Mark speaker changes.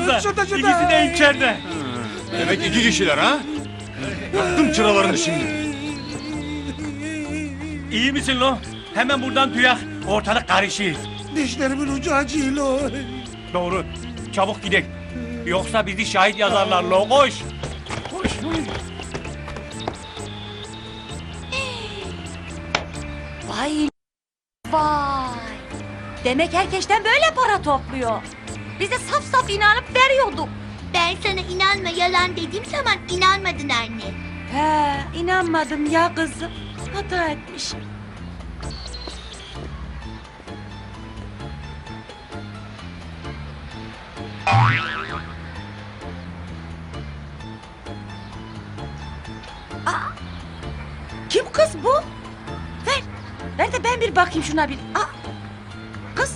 Speaker 1: baksanıza.
Speaker 2: Şurada.
Speaker 1: İkisi de içeride.
Speaker 3: Demek 2 kişiler ha? Yaktım çıralarını şimdi.
Speaker 1: İyi misin lo? Hemen buradan duyak. Ortalık karışıyor.
Speaker 2: Dişlerimin ucu acıyor lo.
Speaker 1: Doğru. Çabuk gidelim. Yoksa bizi şahit yazarlar lo. Koş. Koş.
Speaker 4: Vay vay. Demek herkesten böyle para topluyor. Biz de saf saf inanıp veriyorduk.
Speaker 5: Ben sana inanma yalan dediğim zaman inanmadın anne.
Speaker 4: He, inanmadım ya kızım. Hata etmişim. Aa, kim kız bu? Ver. Ver de ben bir bakayım şuna bir. Aa,